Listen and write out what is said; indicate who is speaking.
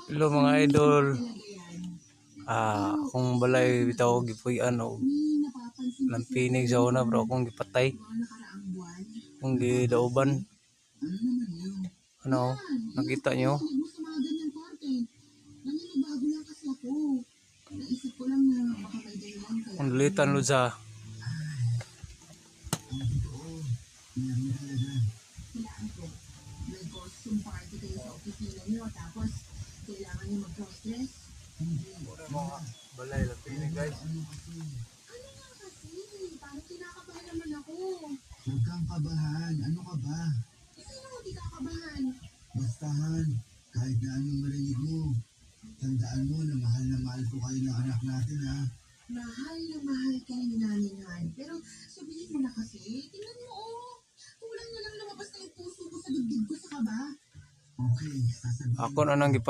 Speaker 1: Hello mga idol. Akong balay bitaw gipuy-an og lampinig sa una bro akong gipatay. Akong gidauban. Ano, nakita nyo? Ang litan lo sa
Speaker 2: may costume party kayo sa opisina niyo tapos kailangan niyo mag-cross-dress?
Speaker 1: mga balay lampinig guys.
Speaker 2: Ano nga kasi? Parang kinakabahan naman ako. Huwag kang kabahan. Ano ka ba? Sino hindi kakabahan? Bastahan. Kahit na anong marinig mo. Tandaan mo na mahal ko kayo ng anak natin ha. Mahal na mahal kayo ni Naningan. Pero sabihin mo na kasi, tingnan mo kulang na lang lumabas na yung puso ko sa dibdib ko sa kaba. Okay, sasabihin.
Speaker 1: Ako na nang